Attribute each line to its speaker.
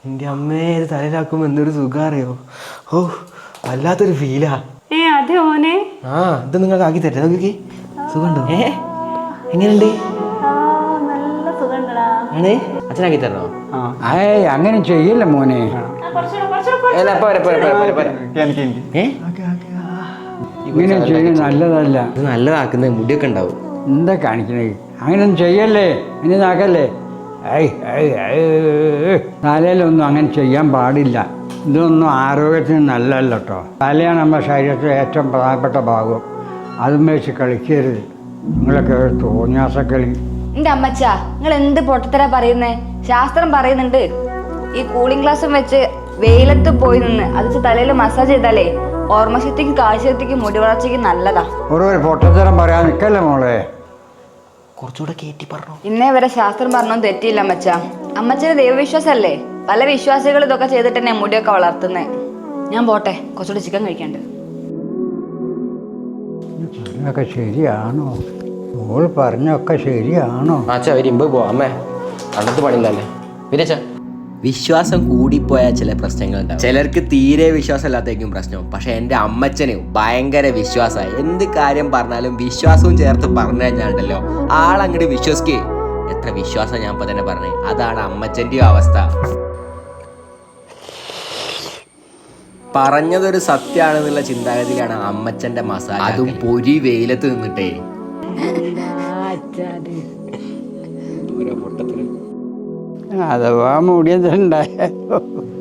Speaker 1: എൻ്റെ അമ്മയെ തലയിലാക്കുമ്പോ എന്തൊരു സുഖം അറിയോ. ഓ വല്ലാത്തൊരു ഫീലാ.
Speaker 2: അതെ ഓനെ.
Speaker 1: ആ ഇത് നിങ്ങൾക്ക് ആക്കി തരാം. നോക്കി സുഖമുണ്ടോ? എങ്ങനെയുണ്ട്?
Speaker 2: നല്ല സുഖണ്ടടാ.
Speaker 1: ആണ് അച്ഛനാക്കി തരണോ?
Speaker 3: അങ്ങനെ ചെയ്യില്ല മോനെ. ഇങ്ങനെ ചെയ്യുന്നത് നല്ലതല്ല.
Speaker 1: ഇത് നല്ലതാക്കുന്നത് മുടിയൊക്കെ ഉണ്ടാവും.
Speaker 3: എന്താ കാണിക്കണേ? അങ്ങനെയൊന്നും ചെയ്യല്ലേ, ഇനി നാക്കല്ലേ. തലയിലൊന്നും അങ്ങനെ ചെയ്യാൻ പാടില്ല. ഇതൊന്നും ആരോഗ്യത്തിന് നല്ലതല്ല കേട്ടോ. തലയാണ് നമ്മുടെ ശരീരത്തിലെ ഏറ്റവും പ്രധാനപ്പെട്ട ഭാഗം. അതും വെച്ച് കളിക്കരുത്. നിങ്ങളൊക്കെ ഒരു തോന്നിയാസക്കളി.
Speaker 4: എന്റെ അമ്മച്ച, നിങ്ങൾ എന്ത് പൊട്ടത്തരാ പറയുന്നേ? ശാസ്ത്രം പറയുന്നുണ്ട് ഈ കൂളിംഗ് ഗ്ലാസും വെച്ച് വെയിലത്ത് പോയി നിന്ന് അത് തലയിൽ മസാജ് ചെയ്താലേ ഓർമ്മശക്തിക്കും കാഴ്ചശക്തിക്കും മുടി വളർച്ചയ്ക്കും നല്ലതാ.
Speaker 3: ഒരു പൊട്ടത്തരം പറയാൻ നിൽക്കല്ലേ മോളെ.
Speaker 1: കുറച്ചുകൂടെ കയറ്റി പറഞ്ഞു.
Speaker 4: ഇന്നേ വരെ ശാസ്ത്രം പറഞ്ഞൊന്നും തെറ്റിയില്ല അമ്മച്ച. അമ്മച്ചന് ദൈവവിശ്വാസല്ലേ? പല വിശ്വാസികൾ ഇതൊക്കെ ചെയ്തിട്ട് തന്നെ മുടിയൊക്കെ വളർത്തുന്നേ. ഞാൻ പോട്ടെ, കുറച്ചുകൂടി ചിക്കൻ കഴിക്കണ്ട്.
Speaker 3: പറഞ്ഞൊക്കെ ശരിയാണോ? മോൾ പറഞ്ഞൊക്കെ ശരിയാണോ?
Speaker 1: അച്ഛാ ഒരു ഇമ്പ് പോവാ. അമ്മേ കണ്ടത്ത് പണിയില്ലല്ലേ വിരച്ച. വിശ്വാസം കൂടിപ്പോയാൽ ചില പ്രശ്നങ്ങളുണ്ടാവും. ചിലർക്ക് തീരെ വിശ്വാസമില്ലാത്തേക്കും പ്രശ്നം. പക്ഷെ എൻ്റെ അമ്മച്ചന് ഭയങ്കര വിശ്വാസമായി. എന്ത് കാര്യം പറഞ്ഞാലും വിശ്വാസവും ചേർത്ത് പറഞ്ഞു കഴിഞ്ഞാലുണ്ടല്ലോ ആളങ്ങോട്ട് വിശ്വസിക്കേ. എത്ര വിശ്വാസം ഞാൻ ഇപ്പൊ തന്നെ പറഞ്ഞേ. അതാണ് അമ്മച്ചൻ്റെയും അവസ്ഥ. പറഞ്ഞതൊരു സത്യമാണെന്നുള്ള ചിന്താഗതിയിലാണ് അമ്മച്ചന്റെ മസാല. അതും പൊരി വെയിലത്ത് നിന്നിട്ടേ.
Speaker 3: അഥവാ മുടിയതുണ്ടായ